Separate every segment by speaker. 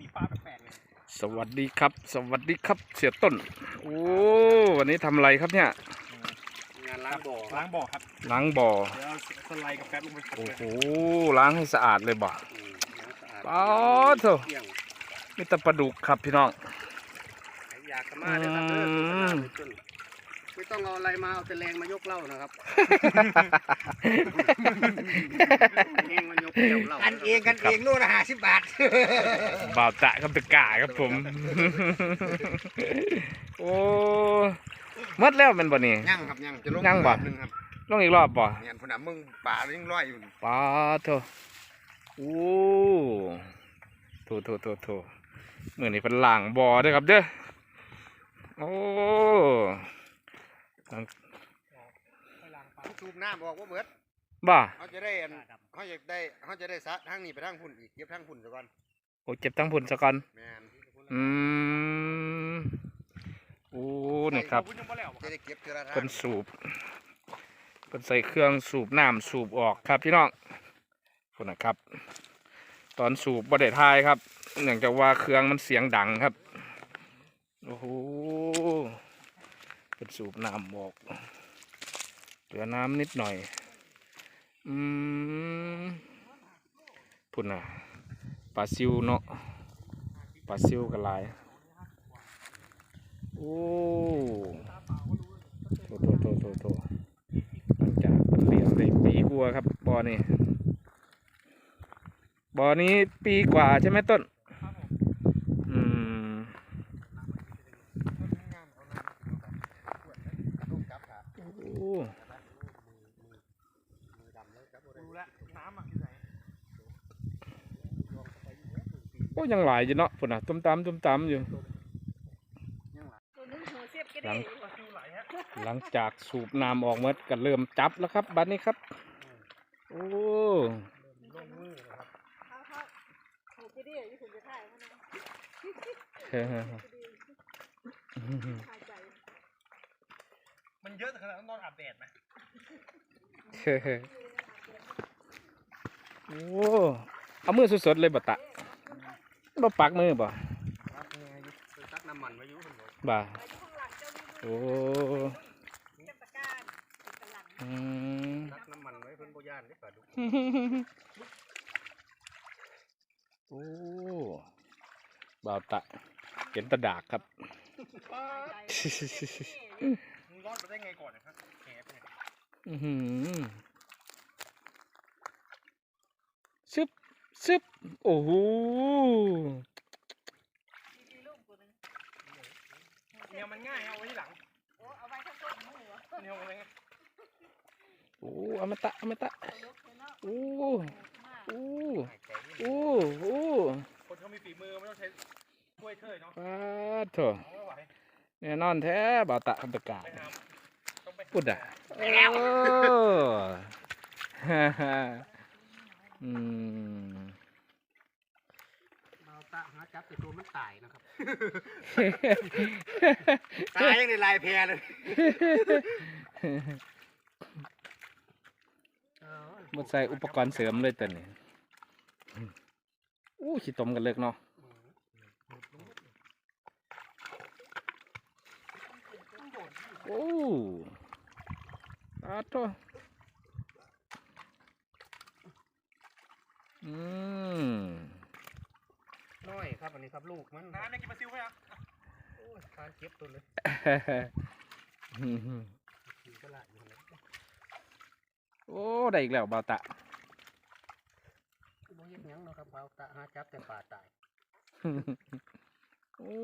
Speaker 1: มีปลาแปลกๆเลย
Speaker 2: สวัสดีครับ สวัสดีครับเสียต้นโอ้วันนี้ทำอะไรครับเนี่ย
Speaker 1: งานล้างบ่อล้างบ่อครับ
Speaker 2: ล้างบ่อ
Speaker 1: เดี๋ยวสไลด์กับแป๊บลงไป
Speaker 2: โอ้โหล้างให้สะอาดเลยบ่อ๋อเถอะมีแต่ปลาดุกครับพี่น้อง
Speaker 1: อยากมาเลยครับไม่ต้องเอาอะไรมาเอาแต่แรงมายกเหล้านะครับ
Speaker 3: กันเองโลละ50 บาท
Speaker 2: บ่าวจะกับตะกาครับผมโอ้มัดแล้วเป็นบ่นี่
Speaker 3: ยังครับยังจะลง
Speaker 2: ยังบ่
Speaker 3: นึงครับ
Speaker 2: ลงอีกรอบบ่
Speaker 3: เนี่ยพุ่นน่ะมึงป่ายังลอยอยู่
Speaker 2: ปลาเถอะโอ้โถเมื่อนี้เป็นหลังบ่อเด้อครับเด้อโอ้
Speaker 3: สูบน้ำบอกว่าเบิด
Speaker 2: บ่
Speaker 3: เขาจะได้ซัดทางนี้ไปทางพุ่นอีกเก็บทางพุ่นซะก่อน
Speaker 2: โอ้เจ็บทั้งพุ่นซะก่อน
Speaker 3: แม่น
Speaker 2: โอ้นี่ครับ
Speaker 3: จะได้เก็บทีละทาง
Speaker 2: เป็นสูบเป็นใส่เครื่องสูบน้ำสูบออกครับพี่น้องพุ่นนะครับตอนสูบบ่ได้ทายครับเนื่องจากว่าเครื่องมันเสียงดังครับโอ้โหเป็นสูบน้ำออกเหลือน้ำนิดหน่อยพุ่นน่ะปลาซิวเนาะปลาซิวกันหลายโอ้โถหลังจากเลี้ยงได้ปีกว่าครับบ่อนี้ปีกว่าใช่ไหมต้นโอ้ยังหลายอยู่เนาะพุ่นน่ะตุ้มตามอยู่หลังจากสูบน้ำออกหมดก็เริ่มจับแล้วครับบัดนี้ครับโอ้
Speaker 1: มันเยอะขนาดต้องนอนอาบแดดไหม
Speaker 2: โอ้เอามือสดๆเลยบ่ตะบ่ปักมือบ่
Speaker 1: ตักน้ำมันไว้อยู่
Speaker 2: บ่โอ้
Speaker 1: ตักน้ำมันไว้เพิ่นบ่ย่านเด้ปลาดุก
Speaker 2: โอ้บ่าวตะเห็นตะดากครับ
Speaker 1: มึงรอดไปได้ไงก่อนนะครับแหบเนี่ย
Speaker 2: ซึบโอ้โห
Speaker 1: เนี่ยมันง่ายเอาไว้ที่หลังเอาไว้ข้างต้นหัวเนี่ยเอาไว้
Speaker 2: โอ้อมตะโอ้
Speaker 1: คนเขามีฝีมือไม่ต้องใช้ถ้วยเทยเนาะ
Speaker 2: เถอะเนี่ยนอนแท้บ่าวตะคำตะกาพูดอ่ะ
Speaker 1: ตาหาจับแต่ตัวมันตายนะครับ
Speaker 3: ตายยังในลายแพเลย
Speaker 2: มันใส่อุปกรณ์เสริมเลยตัวนี้ขี้ตมกันเลิกเนาะโอ้โต
Speaker 1: น้อยครับอันนี้ครับลูกมันน้ำเนี่ยกินปลาซิวไหมครับโอ้ยทานเก็บตัวเลย
Speaker 2: โอ้ได้อีกแล้วบ่าวตะ
Speaker 1: บ่เห็นหยังเนาะครับบ่าวตะหาจับแต่ปลาตาย
Speaker 2: โอ้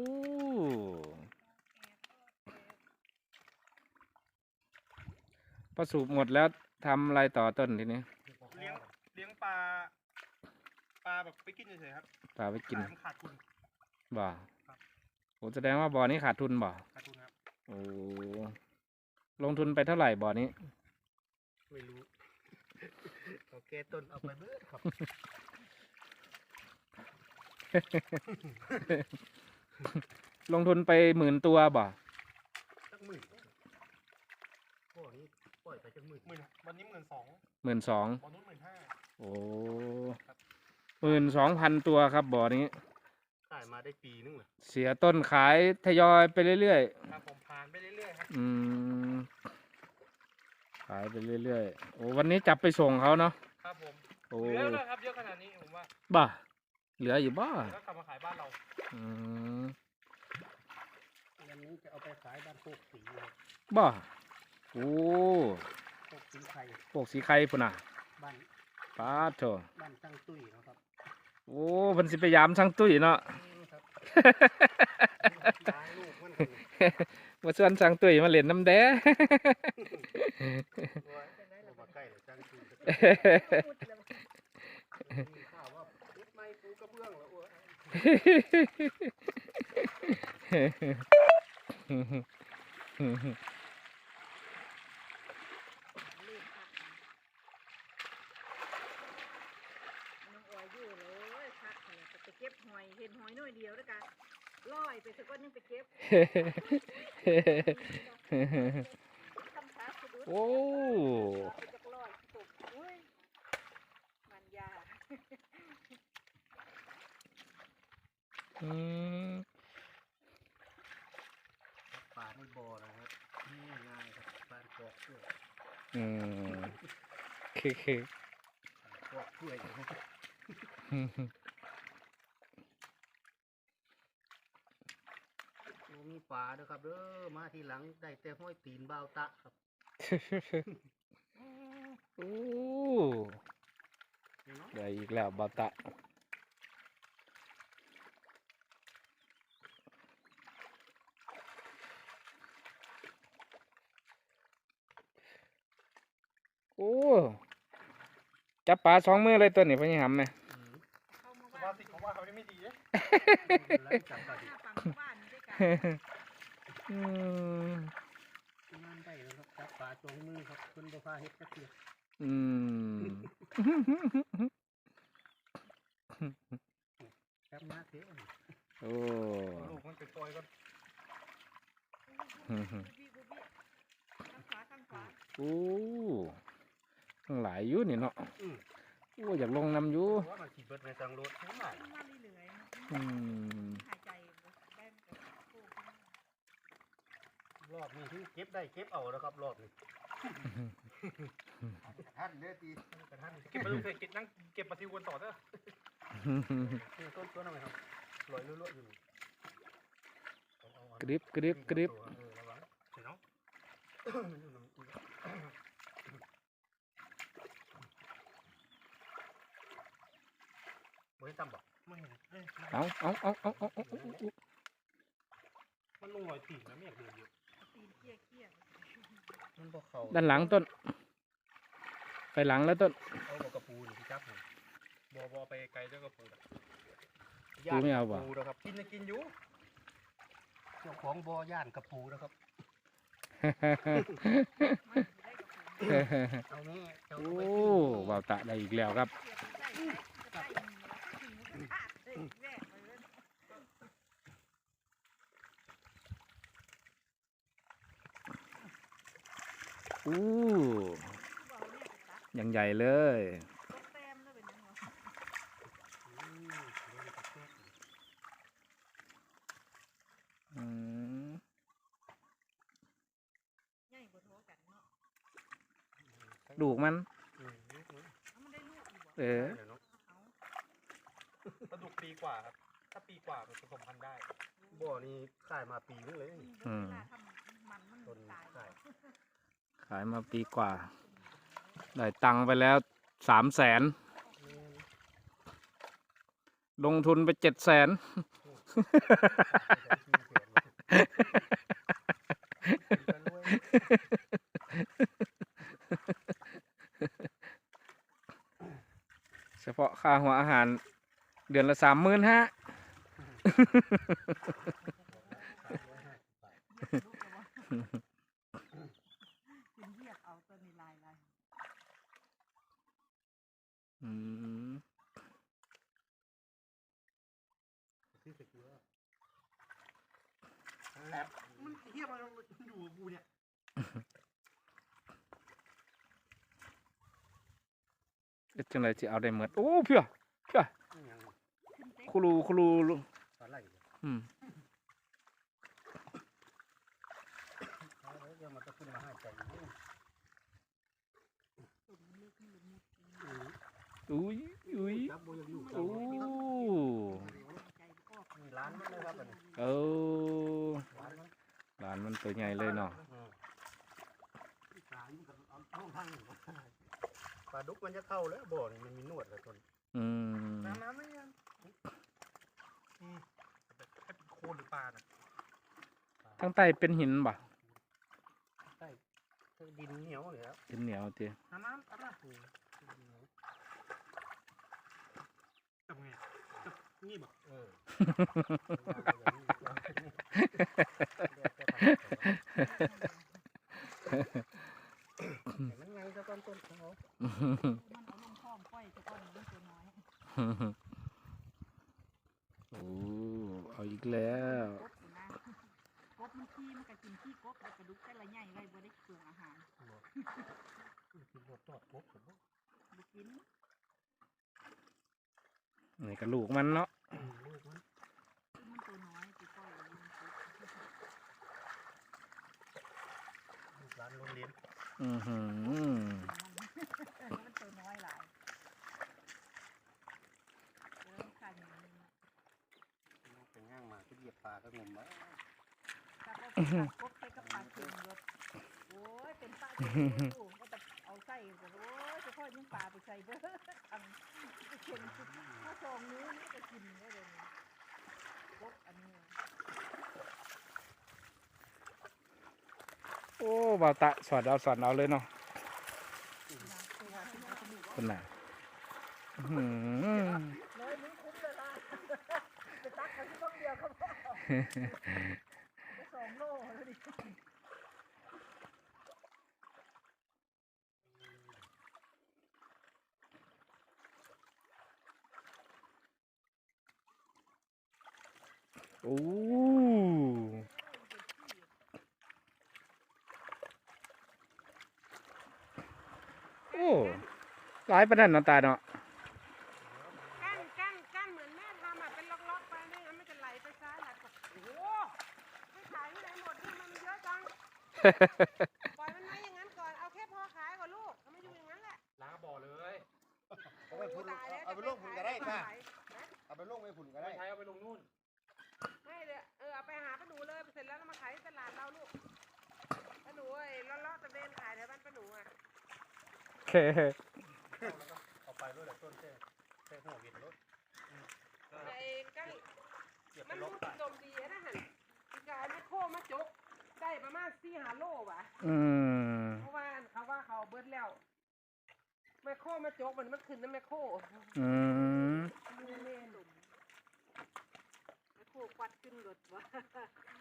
Speaker 2: พอสูบหมดแล้วทำอะไรต่อต้นทีนี้
Speaker 1: เลี้ยงปลาแบบไปกินเฉยๆครับ
Speaker 2: ปลาไปกิน
Speaker 1: ขาดทุน
Speaker 2: บ่าโอ้แสดงว่าบ่อนี้ขาดทุนบ่
Speaker 1: ขาดทุนครับ
Speaker 2: โอ้ลงทุนไปเท่าไหร่บ่อนี้
Speaker 1: ไม่รู้โอเคต้นเอาไปเบิดครับ
Speaker 2: ลงทุนไป10,000 ตัวบ่
Speaker 1: สัก10,000โอ้นี่ปล่อยไปจัง10,000วันนี้12,000
Speaker 2: วันนู้น
Speaker 1: 15,000
Speaker 2: โอ้ 12,000 ตัวครับบ่อนี้
Speaker 1: ายมาได้ปีนึงเลย
Speaker 2: เสียต้นขายทยอยไปเรื่อย
Speaker 1: ครับผมผ่านไปเรื่อยๆครับ
Speaker 2: ๆขายไปเรื่อยๆโอ้วันนี้จับไปส่งเขาเนาะ
Speaker 1: ครับผม
Speaker 2: โอ้
Speaker 1: เหลือแล้วครับเยอะขนาดนี้ผมว่า
Speaker 2: บ้าเหลืออยู่บ้า
Speaker 1: แล้วกลับมาขายบ้านเรา
Speaker 2: อืม
Speaker 1: วันนี้จะเอาไปขายบ้านโคกสีเลย
Speaker 2: บ้าโอ้
Speaker 1: โคกสีไข่
Speaker 2: พวกสีไข่ปุ่นน่ะ
Speaker 1: บ้าน
Speaker 2: ป้าดโถ
Speaker 1: บ้านตั้งตุ้ยนะครับ
Speaker 2: โอ้เพิ่นสิไปยามช่างตุ้ยเนาะ
Speaker 1: ครับตายลูกมันคนนี้
Speaker 2: มาชวนช่างตุ้ยมาเล่นน้ำแด้
Speaker 1: เอามาใกล้เลยจ้างคืนมีข่าวว่าเอ็ดไม้ปูกระเบื้องแล้วโอ้ย
Speaker 4: น้องออยอยู่เลยพักเนี่ยจะไปเก็บหอยเห็นหอยน้อยเดียวด้วยกันลอยไปสักวันนึงไปเก็บทำขาสะดุด
Speaker 2: โอ้
Speaker 4: ไปจากลอยตกอุ้ยมันยา
Speaker 2: อืม
Speaker 1: ป่าในบ่อนะครับนี่ง่ายครับบ้านกอกด้วย
Speaker 2: อืมเค
Speaker 1: กอกด้วยนะครับ มีป่าด้วยครับเด้อมาทีหลังได้แต่ห้อยตีนบ่าวตะครับ
Speaker 2: โอ้ได้อีกแล้วบาตะโอ้จับปลาสองมือเลยตัวนี้พะนี่หำไหม
Speaker 4: เข้ามา
Speaker 1: ส
Speaker 4: บ้า
Speaker 1: ภาน พสิของว่าเขาไม่ดีเลย
Speaker 4: หน้าฝั่งบ้านด้วยกัน
Speaker 2: อืม
Speaker 1: งานได้แล้วครับจับป่าจงมือครับคุณบ่พาเฮ็ดจักเทีย
Speaker 2: อืม
Speaker 1: จับมาเถอะ
Speaker 2: โอ้
Speaker 1: ลูกมันไปปล่อยก็
Speaker 4: บุบี้ข้างขวาข้างขวา
Speaker 2: โอ้ทั้งหลายอยู่นี่เนาะโอ้อยากลงน้ำอยู่
Speaker 1: ว่ามันขี่เบิดในทางรถทั้งหลาย
Speaker 4: มันมาเรื่อยๆ
Speaker 2: อืม
Speaker 4: หายใจได้มันก็โค้งขึ้นมาร
Speaker 1: อบนี้ที่เก็บได้เก็บเอาแล้วครับรอบนี้
Speaker 3: ท่านเด้อตี
Speaker 1: กระทั่งเก็บมาลูกเคยเก็บนั่งเก็บปลาซิวกันต่อเด้อนี่ต้นทำไมครับลอยลุ่ยๆอยู่
Speaker 2: กริบกริบกริบ
Speaker 1: ระวังเสียน้องไม่ทำบอกไม่เห็น
Speaker 2: เอา
Speaker 1: มันลงรอยตีนนะไม่อยากเดินเยอะ
Speaker 4: ตีนเกี้ยเกี้ย
Speaker 1: มันบอกเขา
Speaker 2: ด้านหลังต้น ไปหลังแล้วต้น
Speaker 1: เอาบอกกระปูหรือพี่จับผมบอไปไกลเจ้ากระปู
Speaker 2: ปูไม่เอาบ่
Speaker 1: ปูนะครับกินจะกินอยู่เจ้าของบอย่านกระปูนะครับ
Speaker 4: มันได้กับผม
Speaker 1: เอาแม่เจ้า
Speaker 2: โอ้
Speaker 1: ไป
Speaker 2: วาวตะได้อีกแล้วครับ
Speaker 4: เสียบใส่ใส่จะได้หิวขาดเลยแรกเลย
Speaker 2: อู้
Speaker 4: บอกเนี่ยตัด
Speaker 2: ยังใหญ่เลย
Speaker 4: ตกแต้มแล้วเป็นยังไง
Speaker 2: อืม
Speaker 4: ใหญ่กว่าโทกันเนาะ
Speaker 2: ลูกมัน
Speaker 4: มันได้ลูกอยู่บ่
Speaker 2: เออ
Speaker 4: เอา
Speaker 1: ปลาดุกปีกว่าครับถ้าปีกว่ามันผสมพันธุ์ได้บ่อนี้ขายมาปีนึงเลย
Speaker 4: เวลาทำมัน
Speaker 1: ต้น
Speaker 4: ตาย
Speaker 1: ขาย
Speaker 2: ขายมาปีกว่า ได้ตังค์ไปแล้ว300,000ลงทุนไป700,000 เฉพาะค่าหัวอาหารเดือนละ35,000
Speaker 4: กินเรียกเอาตัวนี้ลาย
Speaker 2: อืม
Speaker 1: แลบมันเทียบมันอยู่กับกูเนี่ย
Speaker 2: เอ็ดจังไรจะเอาได้หมดโอ้เพื่อคุรู
Speaker 1: ปลาไหล
Speaker 2: อืม
Speaker 1: เดี๋ยวมันจะขึ้นมาให้ใจอยู่
Speaker 2: อุ้ยอุ้ย
Speaker 1: จับโบยังอยู่
Speaker 2: โอ้
Speaker 1: นี่ร้านมันเลยครับอันนี้
Speaker 2: โอ้
Speaker 1: ร้านมัน
Speaker 2: หลานมันตัวใหญ่เลยเนาะ
Speaker 1: ร้านมันก็เอาห้องทางหนึ่งปลาดุกมันจะเข้าแล้วบ่อนี่มันมีหนวดเลยต้น
Speaker 2: อืม
Speaker 1: น้ำไม่ยังให้เป็นโคนหรือปลาน่ะ
Speaker 2: ทั้งใต้เป็นหินบ่
Speaker 1: ใช่ดินเหนียวเลยครับ
Speaker 2: เป็นเหนียวเตี้ย
Speaker 1: น้ำทำไงนี่บอกมันไงจะต้นเขา
Speaker 4: มันเอาลงท้องก้อยแต่ก้อนมันตัวน้อย
Speaker 2: โอ้เอาอีกแล้ว
Speaker 4: กบอยู่นะกบมันขี้มันก็กินขี้กบแล้วกระดูกแต่ละใหญ่ไว้บ่ได้เปลืองอาหาร
Speaker 1: กินรสทอดปุ๊บผม
Speaker 4: บ่กิน
Speaker 2: นี่กระลูกมันเนาะ
Speaker 1: ลูกมัน
Speaker 4: คือมันตัวน้อยตัวก้อยมันกบ
Speaker 1: ลูกร้านโรงเรียน
Speaker 2: อือหือ
Speaker 4: มันตัวน้อยหลายแล้วขันอย่างนี้นะ
Speaker 1: เป็นย่างมาที่เหยียบปลาก็งมวะ
Speaker 4: ถ้าก็เป็นกบใส่กับปลาเค็มรสโอ้ยเป็นปลาเค็มอยู่ก็จะเอาใส่กันโอ้ยจะพ่อยิ่งปลาไปใส่เบ้อทำจะเค็มสุดถ้าซองนู้นนี่ก็กินได้เลยกบอันนี้
Speaker 2: โอ้บ่าวตะสอดเอาเลยเนาะคนน่ะอื้อหือ
Speaker 4: เลยมึงคุ้มเลยล่ะไปตักไปที่บ้องเดียวก็พอไป2 โลแล้วดิ
Speaker 2: โอ้โอ้หลายประเด็นเนาะตาเนาะ
Speaker 5: กั้นเหมือนแม่ทำอ่ะเป็นล็อกๆไปไม่งั้นมันจะไหลไปซ้ายไหลขวาโอ้โหไม่ขายที่ไหนหมดนี่มันเยอะจัง ปล่อยมันไว้อย่างนั้นก่อน เอาแค่พอขายก่อนลูกเอามาอยู่อย่างนั้นแหละ
Speaker 1: ล้างบ่อเลย
Speaker 3: เอาไปพุ่น
Speaker 5: ตายแล้ว
Speaker 3: เอาไปลงพุ่นก็ได้
Speaker 5: จะ
Speaker 3: ค่ะ
Speaker 5: ขายนะ
Speaker 3: เอาไปลงไปพุ่นก็ได้
Speaker 1: ใช้เอาไปลงนู่น
Speaker 5: ไม่เลยเอาไปหาป้าหนูเลยเสร็จแล้วเรามาขายที่ตลาดเราลูกป้าหนูไอ้เลาะๆตะเวนขายแถวบ้านป้าหนูอ่ะ
Speaker 2: โอเค
Speaker 1: เอาไปด้วยแหละต้นแค่หัวเวียนรถ
Speaker 5: ไอ้กั้ง
Speaker 1: เก็บไป
Speaker 5: มัน
Speaker 1: ล
Speaker 5: รู้
Speaker 1: บ
Speaker 5: สึกดมดีนะฮะอีกายไม่โค้มาจกได้ประมาณ4-5 โลว่ะ
Speaker 2: อืม
Speaker 5: เพราะว่าเขาเบิดแล้วแมคโครมาจกมันขึ้นนะแมคโคร
Speaker 2: อืม
Speaker 5: มือเล่นแมคโครควัดขึ้นรถวะ